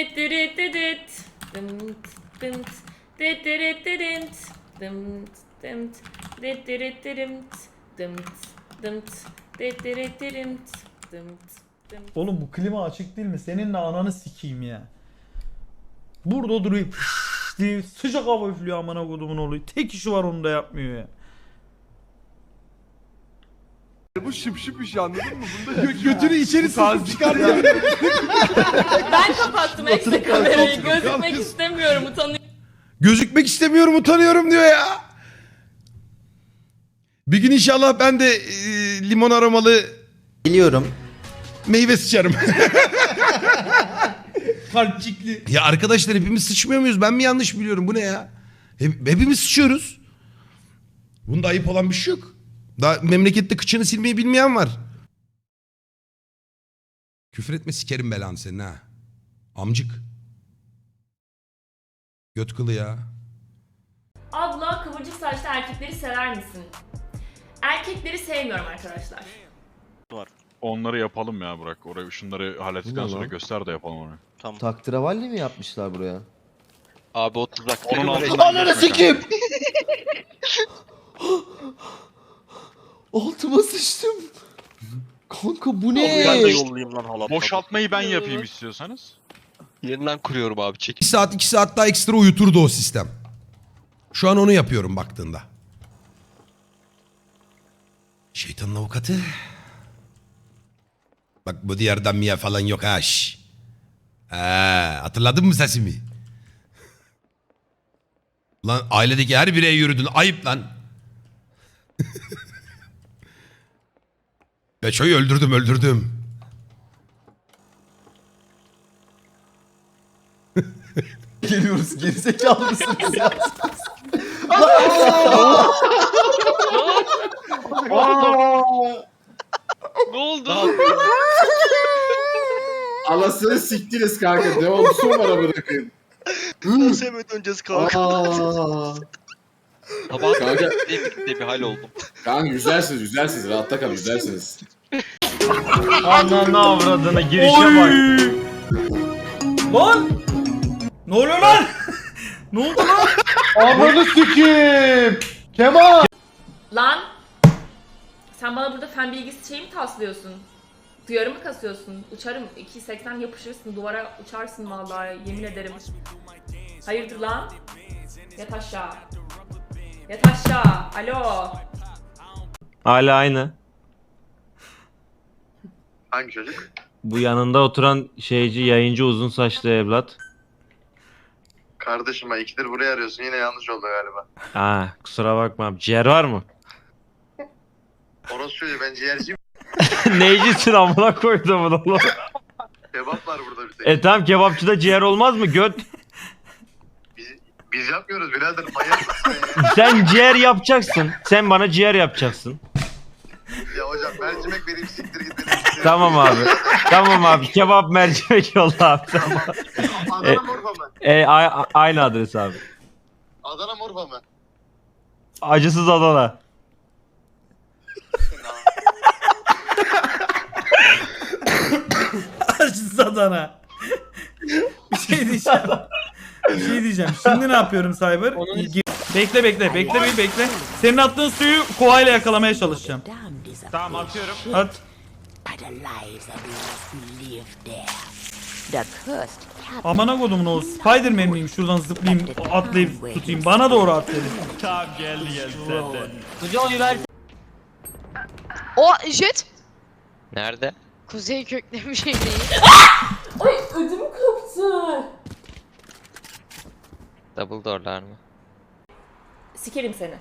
Oğlum bu klima açık değil mi? Seninle ananı sikeyim ya. Burada duruyor diye sıcak hava üflüyor amına kodumun oğlu. Tek işi var onu da yapmıyor ya. Bu şıp şıp işi anladın mı? Bunda götünü içeri sıkıp çıkartıyor. Ben kapattım ekstra kamerayı. Gözükmek istemiyorum, utanıyorum. Gözükmek istemiyorum, utanıyorum diyor ya. Bir gün inşallah ben de limon aromalı Biliyorum. meyve sıçarım. Kalpçikli. Ya arkadaşlar hepimiz sıçmıyor muyuz? Ben mi yanlış biliyorum? Bu ne ya? Hepimiz sıçıyoruz. Bunda ayıp olan bir şey yok. Daha memlekette kıçını silmeyi bilmeyen var. Küfür etme sikerim belanı senin ha. Amcık. Göt kılı ya. Abla, kıvırcık saçlı erkekleri sever misin? Erkekleri sevmiyorum arkadaşlar. Onları yapalım ya Burak. Orayı şunları hallettikten sonra göster de yapalım onu. Tamam. Taktıravalli mi yapmışlar buraya? Abi 30 dakika. Onun altından Ananı sikeyim! Altıma sıçtım. Kanka bu ne? Ben de yollayayım lan halatla. Boşaltmayı ben yapayım istiyorsanız. Yeniden kuruyorum abi, çek. 2 saat daha ekstra uyuturdu o sistem. Şu an onu yapıyorum baktığında. Şeytanın avukatı. Bak bu diğerden miye falan yok ha. Hatırladın mı sesimi? Lan ailedeki her bireye yürüdün. Ayıp lan. Beço'yu öldürdüm. Geliyoruz, gerizekalı mısınız ya? Ne oldu? Anasını siktiniz kanka. Ne oldu son bana bırakın. Sevmeden öncesi kanka. Sabah Kanka. bir hal oldum. Kanka güzelsiniz. Rahatta kalın, güzelsiniz. Ananı avradına girişe bak. Lan! Ne oluyor lan? Ne oldu lan? Ananı sikeyim. Kemal. Lan! Sen bana burada fen bilgisi şey mi taslıyorsun? Duyarı mı kasıyorsun? Uçarım. 2.80 yapışırsın. Duvara uçarsın vallahi. Yemin ederim. Hayırdır lan? Yat aşağı. Yat aşağı. Alo. Hala aynı. Hangi çocuk? Bu yanında oturan şeyci, yayıncı, uzun saçlı evlat. Kardeşim, ikidir buraya arıyorsun. Yine yanlış oldu galiba. Kusura bakma abi. Ciğer var mı? Orası söylüyor, ben ciğerciyim. Neycisin amına koydum bunu oğlum. Kebap var burada bir tek. Tamam, kebapçıda ciğer olmaz mı göt? Biz yapmıyoruz birader. Manyak mısın ya? Sen ciğer yapacaksın. Sen bana ciğer yapacaksın. Ya hocam mercimek vereyim, siktir git. Tamam abi. Tamam abi. Kebap mercimek yolla abi. Adana mı Urfa mı? Aynı adres abi. Adana mı Urfa mı? Acısız Adana. Acısız Adana. Bir şey diyeceğim. Şimdi ne yapıyorum Cyber? Bekle. Senin attığın suyu kovayla yakalamaya çalışacağım. Tamam, atıyorum. At. Amına kodumun o Spider-Man miyim? Şuradan zıplayayım, atlayıp tutayım. Bana doğru at dedim. Tamam, geldi zaten. O jet. Nerede? Kuzey köklemiş değil. Ay ödüm koptu. Double door'lar mı? Sikerim seni.